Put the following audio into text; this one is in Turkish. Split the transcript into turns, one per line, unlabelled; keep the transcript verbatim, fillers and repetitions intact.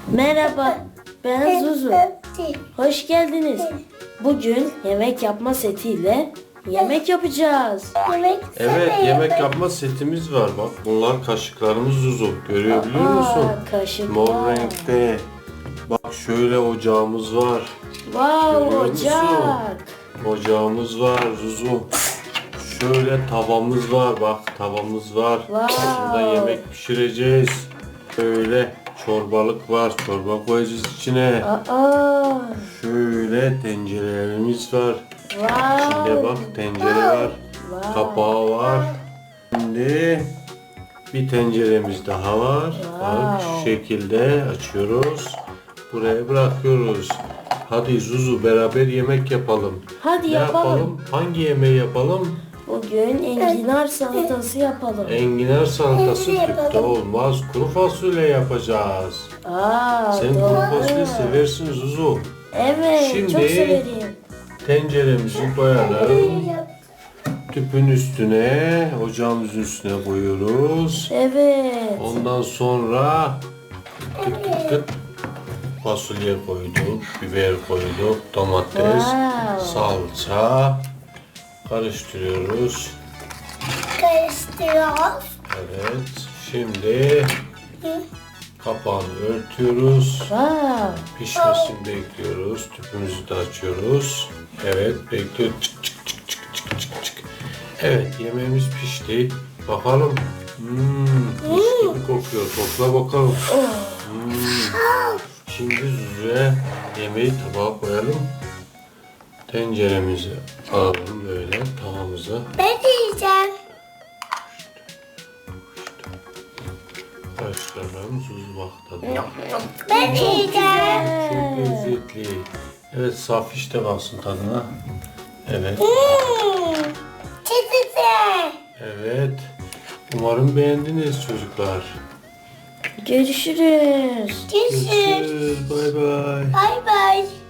Merhaba, ben Zuzu. Hoş geldiniz. Bugün yemek yapma setiyle yemek yapacağız.
Yemek
Evet, yemek yapma setimiz var bak. Bunlar kaşıklarımız Zuzu. Görebiliyor musun?
Aa, kaşıklar.
Mor renkte. Bak şöyle ocağımız var.
Wow,
Görüyor musun?
ocak.
Ocağımız var Zuzu. Şöyle tavamız var bak. Tavamız var.
Wow.
Burada yemek pişireceğiz. Böyle çorbalık var. Çorba koyacağız içine.
Aa,
Şöyle tencerelerimiz var.
wow.
İçinde bak tencere var.
Wow.
Kapağı var. Şimdi bir tenceremiz daha var. Bak
Wow.
şu şekilde açıyoruz. Buraya bırakıyoruz. Hadi Zuzu beraber yemek yapalım.
Hadi
Ne
yapalım.
Hangi yemeği yapalım?
Bugün enginar salatası yapalım.
Enginar salatası
Enginar
tüpte
yapalım.
olmaz. Kuru fasulye yapacağız.
Aa,
Sen
doğru.
kuru fasulye seversin Zuzu.
Evet,
Şimdi-
çok severim.
Tenceremizi koyalım. Tüpün üstüne, ocağımızın üstüne koyuyoruz.
Evet.
Ondan sonra kıt kıt kıt fasulye koyduk, biber koyduk, domates,
Wow.
salça karıştırıyoruz.
karıştırıyoruz.
Evet, şimdi kapağını örtüyoruz.
Wow.
Pişmesini bekliyoruz. Tüpümüzü de açıyoruz. Evet, bekliyor. Çık çık çık çık çık çık çık. Evet, yemeğimiz pişti. Bakalım. Hmm, mis gibi kokuyor. Kokla bakalım. Hmm. Şimdi Zuzu'ya yemeği tabağa koyalım. Tenceremizi alalım böyle tavamıza.
Ben yiyeceğim.
Karıştıralım. Zuzu bak tadına.
Ben yiyeceğim.
Çok lezzetli. Evet, saf işte kalsın tadına. Evet.
Hmm. Çizgi.
Evet. Umarım beğendiniz çocuklar.
Görüşürüz.
Görüşürüz.
Görüşürüz. Bay bay.
Bay bay.